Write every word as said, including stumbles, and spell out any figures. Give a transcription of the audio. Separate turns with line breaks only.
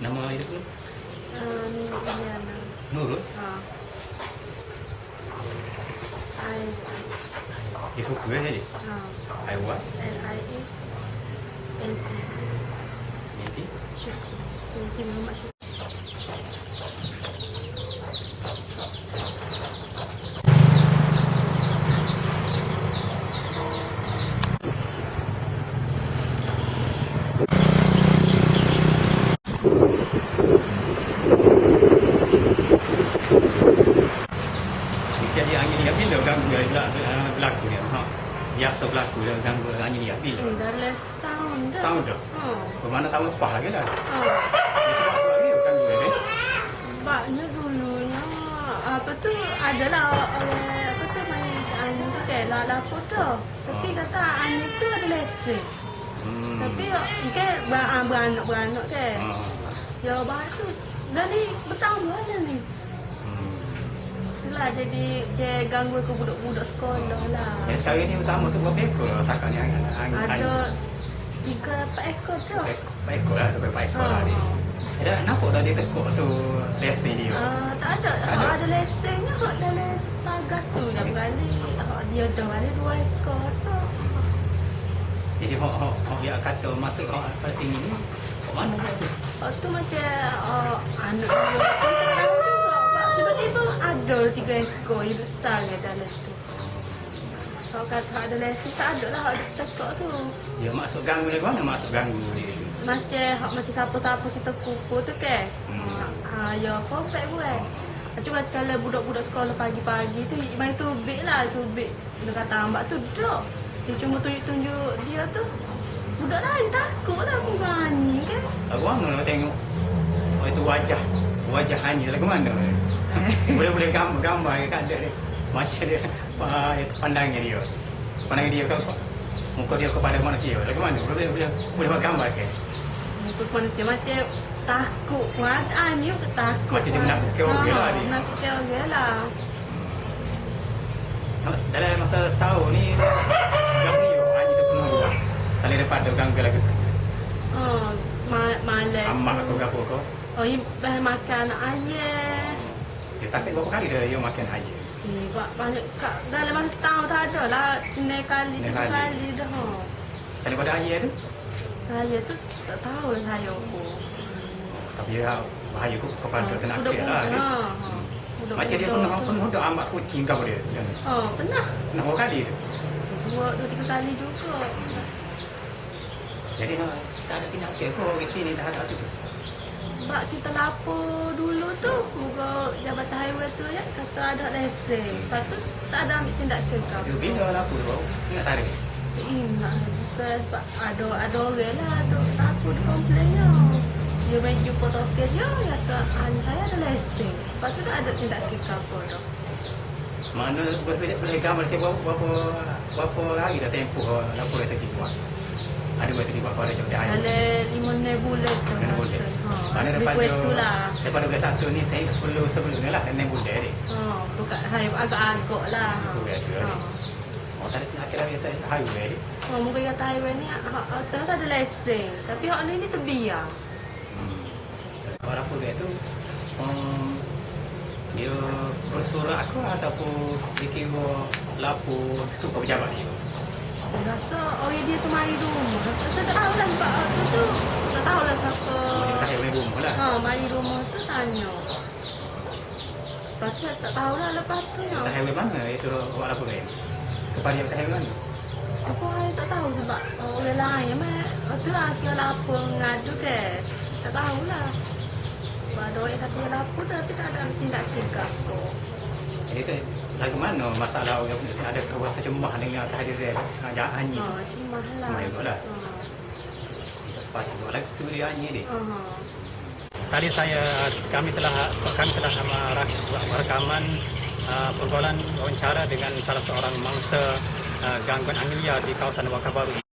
Nama itu?
Uh, Nurul.
Nurul?
Ha. I.
Dia suka je.
Ha.
I what?
L I A. N T.
Nanti?
Syukri. Syukri Muhammad Syukri.
Jadi angin liat bila ganggu dia berlaku dia? Ha. Biasa berlaku dia ganggu angin liat bila?
Hmm, dah setahun dah.
Setahun dah?
Ha.
Bermana tahun lepas lagi dah?
Ha.
Dia sebab sebab dia ganggu dia eh?
Sebabnya dulunya apa tu adalah oleh apa tu main angin tu kan lah lapor tu. Tapi
Ha.
kata angin tu ada lesen.
Hmm.
Tapi kan ber- beranak-beranak kan.
Ha.
Ya bahas tu dah ni bertambah dah ni.
Hmm.
Itulah jadi dia ganggu ke budak-budak sekolah lah.
Yang sekarang ni utama tu berapa ekor setakat ni angin? angin
Ada tiga empat ekor tu.
Empat ekor lah, dua empat ekor lah
Ha.
ni. Ada nampak dah dia tekuk tu lesen dia?
Ah, tak ada.
Tak
Tak
ada.
ada lesennya hak dalam pagar tu dah berani. Hak dia dah ada dua ekor. So,
Jadi hok hok hok dia kata masuk hok apa sini ni? Kok mana dia tu?
hak tu macam uh, anak dia tu tak tahu juga. Pak, tiba-tiba ada tiga ekor yang besar ke dalam tu. Kalau kata ada lesen tak ada lah hak dia tekuk tu.
Dia masuk ganggu dia mana masuk ganggu dia tu?
Macam hak macam siapa-siapa kita kumpul tu kan.
Hmm.
Ha, ya kompak buat. Cuma kalau budak-budak sekolah pagi-pagi tu main tubik lah, tubik. Dia kata ambak tu duduk. Dia cuma tunjuk-tunjuk dia tu. Budak lain takut lah aku berani kan.
Aku mana nak tengok oh, itu wajah wajah hanya lah ke mana? Boleh-boleh gambar-gambar ke kat dia. Macam dia uh, pandangnya dia. Pandangnya dia ke muka dia kepada manusia. Lah ke mana? Boleh boleh boleh buat gambar ke?
Muka manusia macam takut pun ada ni takut.
Macam dia menakutkan orang lah dia.
Menakutkan orang lah.
Dalam masa setahun ni ganggu dia hanya dia penuh juga. Saling daripada ganggu lagi.
Oh, ma malam.
Amak
tu.
atau gapo kau?
Oh, ini bahan makan ayah.
Dia sakit berapa kali dia dia makan air?
Eh, ba- banyak kat dalam masa setahun tak ada lah. Cina kali,
Cina
tiga
kali.
kali dah. Ha.
Saling pada air tu.
Saya tu tak tahu lah saya pun.
Tapi dia bahaya ku kepada kena
Budak
akhir lah.
budak,
Dia.
ha, ha. Budak
Macam dia
budak
penuh
tu.
penuh dah amak kucing kau dia.
Oh, pernah.
Pernah berapa kali tu?
Dua, dua tiga kali juga.
Jadi ha, tak ada tindakan kau di sini dah ada tu.
Sebab kita lapor dulu tu, muka Jabatan Highway tu ya, kata ada lesen. Lepas tu tak ada ambil tindakan kau.
Itu bila lah aku bau. Ingat tarik.
Tak ingat. Bukan sebab ada, ada orang lah, ada lapor dia komplainnya. Dia main jumpa token dia, dia kata, anak saya ada lesen. Lepas tu tak ada tindakan kau dah.
Mana boleh boleh gambar ke berapa berapa berapa hari dah tempoh lapor dia tertibuat. Ada berarti tiba kau ada jawab air.
Dalam lima enam bulan tu
Enam bulan.
Ha,
Mana
lebih
daripada
kurang itulah.
daripada bulan satu ni saya sebelum sebelumnya lah enam bulan ni.
Ha, bukan hai agak-agak lah.
Bukan tu.
Ha.
Oh tak ada akhirnya dia tak highway.
Ha, mungkin kata highway ni hak hak tak ada lesen. Tapi hak ni ni terbiar.
Hmm. Orang pun dia tu um, dia bersurat aku ataupun dia kira lapor tu kau pejabat dia.
Dia rasa orang dia tu mari rumah. Tak tak tahu lah sebab tu tu. Tak tahu lah siapa.
Dia dah highway rumah lah.
Ha, mari rumah tu tanya. Lepas tu tak tahu lah lepas tu.
Dah highway mana itu buat lapor dia? Kepada dia highway mana?
Aku hari tak tahu sebab orang lain mak. Lepas tu lah dia lapor ngadu ke. Tak tahulah. Sebab ada orang kata dia lapor tapi tak ada tindakan ke apa.
Jadi tu lagu mana masalah orang pun ada rasa cemas dengan kehadiran ajak Anyi.
Ha, cemah lah.
Cemah juga lah.
Ha.
Kita sepatutnya lagu tu dia Anyi ni.
Ha.
Tadi saya kami telah kami telah buat rekaman uh, pergaulan wawancara dengan salah seorang mangsa uh, gangguan angin liar di kawasan Wakabaru.